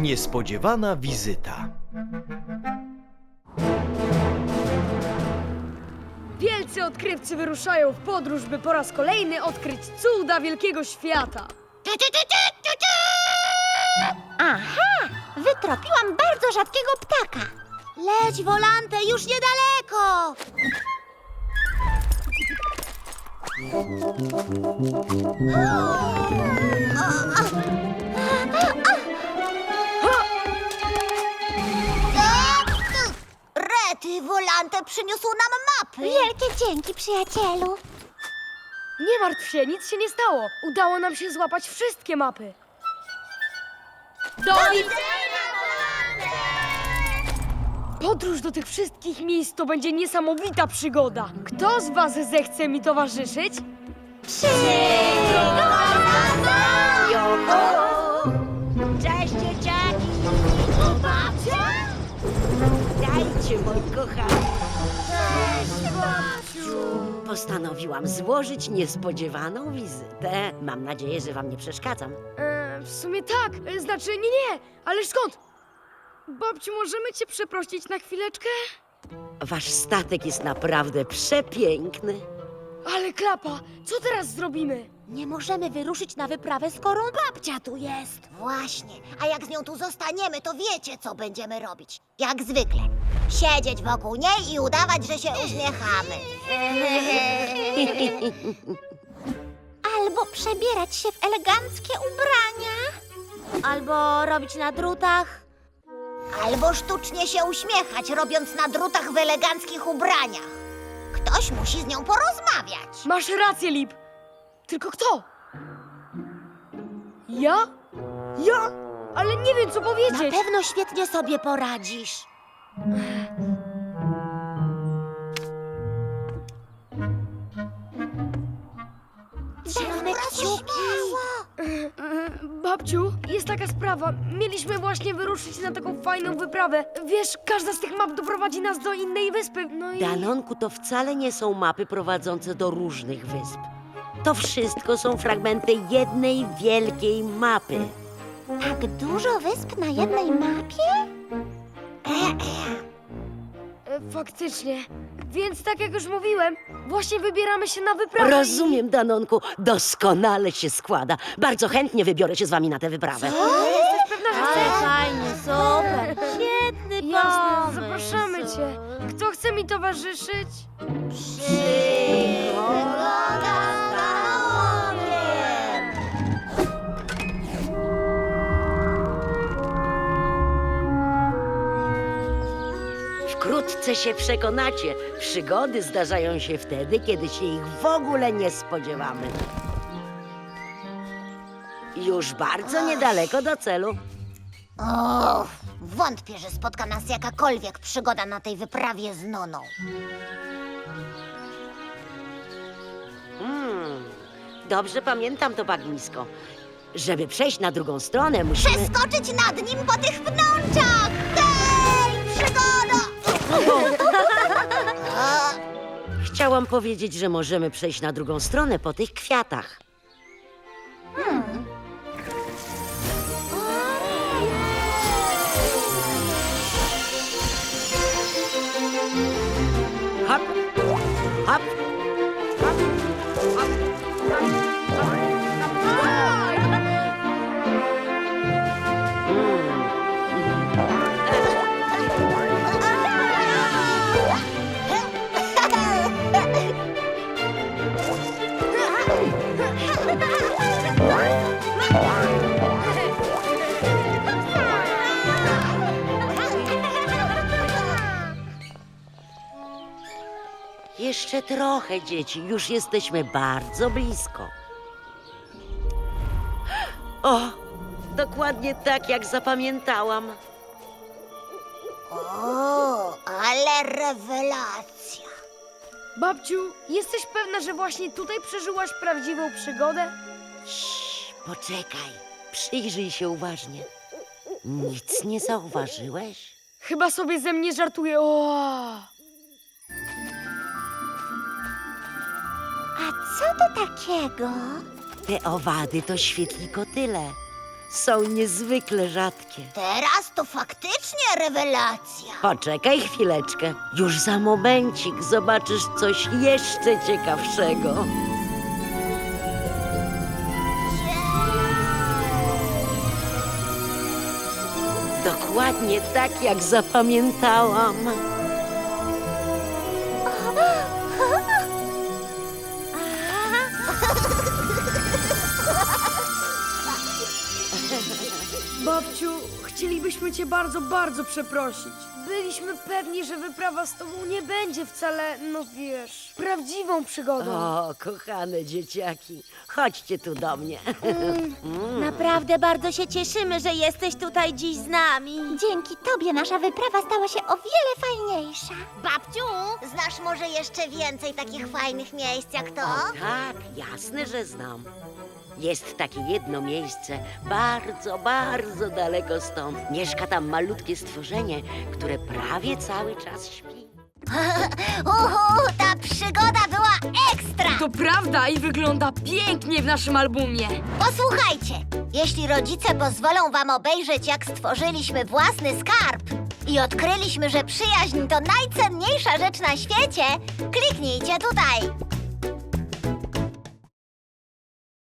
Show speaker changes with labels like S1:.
S1: Niespodziewana wizyta.
S2: Wielcy odkrywcy wyruszają w podróż, by po raz kolejny odkryć cuda wielkiego świata.
S3: Aha! Wytropiłam bardzo rzadkiego ptaka. Leć, Volante, już niedaleko! Rety, Volante przyniósł nam mapy. Wielkie dzięki, przyjacielu.
S2: Nie martw się, nic się nie stało. Udało nam się złapać wszystkie mapy. Do widzenia, Podróż do tych wszystkich miejsc to będzie niesamowita przygoda. Kto z was zechce mi towarzyszyć?
S4: Cześć, dzieciaki! Babcia? Dajcie, moi kochani.
S3: Cześć, babciu.
S4: Postanowiłam złożyć niespodziewaną wizytę. Mam nadzieję, że wam nie przeszkadzam.
S2: W sumie tak, znaczy nie, ale skąd? Babciu, możemy cię przeprosić na chwileczkę?
S4: Wasz statek jest naprawdę przepiękny.
S2: Ale klapa, co teraz zrobimy?
S3: Nie możemy wyruszyć na wyprawę, skoro babcia tu jest. Właśnie. A jak z nią tu zostaniemy, to wiecie, co będziemy robić. Jak zwykle. Siedzieć wokół niej i udawać, że się uśmiechamy. Albo przebierać się w eleganckie ubrania. Albo robić na drutach. Albo sztucznie się uśmiechać, robiąc na drutach w eleganckich ubraniach. Ktoś musi z nią porozmawiać.
S2: Masz rację, Lip. Tylko kto? Ja? Ja? Ale nie wiem, co
S3: Na
S2: powiedzieć.
S3: pewno świetnie sobie poradzisz. Trzymamy kciuki.
S2: Babciu, jest taka sprawa. Mieliśmy właśnie wyruszyć na taką fajną wyprawę. Wiesz, każda z tych map doprowadzi nas do innej wyspy. No i...
S4: Danonku, to wcale nie są mapy prowadzące do różnych wysp. To wszystko są fragmenty jednej wielkiej mapy.
S3: Tak dużo wysp na jednej mapie?
S2: Faktycznie. Więc tak jak już mówiłem, właśnie wybieramy się na wyprawę.
S4: Rozumiem, Danonku, doskonale się składa. Bardzo chętnie wybiorę się z wami na tę wyprawę.
S2: Jesteś pewna, że chcesz?
S3: fajnie, super. Świetny
S2: Jasne, zapraszamy cię. Kto chce mi towarzyszyć?
S4: Wkrótce się przekonacie. Przygody zdarzają się wtedy, kiedy się ich w ogóle nie spodziewamy. Już bardzo niedaleko do celu.
S3: O, wątpię, że spotka nas jakakolwiek przygoda na tej wyprawie z Noną.
S4: Dobrze pamiętam to bagnisko. Żeby przejść na drugą stronę, musimy...
S3: Przeskoczyć nad nim po tych pnączach! Hej, przygoda!
S4: Chciałam powiedzieć, że możemy przejść na drugą stronę po tych kwiatach. Hop, hop, hop, hop. Jeszcze trochę, dzieci. Już jesteśmy bardzo blisko. O, dokładnie tak, jak zapamiętałam.
S3: O, ale rewelacja!
S2: Babciu, jesteś pewna, że właśnie tutaj przeżyłaś prawdziwą przygodę?
S4: Cii, poczekaj. Przyjrzyj się uważnie. Nic nie zauważyłeś?
S2: Chyba sobie ze mnie żartuje. O!
S3: A co to takiego?
S4: Te owady to świetlikotyle. są niezwykle rzadkie.
S3: Teraz to faktycznie rewelacja.
S4: Poczekaj chwileczkę. Już za momencik zobaczysz coś jeszcze ciekawszego. Dokładnie tak, jak zapamiętałam.
S2: Babciu, chcielibyśmy cię bardzo, bardzo przeprosić. Byliśmy pewni, że wyprawa z tobą nie będzie wcale, no wiesz, prawdziwą przygodą.
S4: O, kochane dzieciaki, chodźcie tu do mnie.
S3: Naprawdę bardzo się cieszymy, że jesteś tutaj dziś z nami. Dzięki tobie nasza wyprawa stała się o wiele fajniejsza. Babciu, znasz może jeszcze więcej takich fajnych miejsc jak to?
S4: Tak, jasne, że znam. Jest takie jedno miejsce, bardzo, bardzo daleko stąd. Mieszka tam malutkie stworzenie, które prawie cały czas śpi.
S3: Ta przygoda była ekstra!
S2: To prawda i wygląda pięknie w naszym albumie.
S3: Posłuchajcie, jeśli rodzice pozwolą wam obejrzeć, jak stworzyliśmy własny skarb i odkryliśmy, że przyjaźń to najcenniejsza rzecz na świecie, kliknijcie tutaj.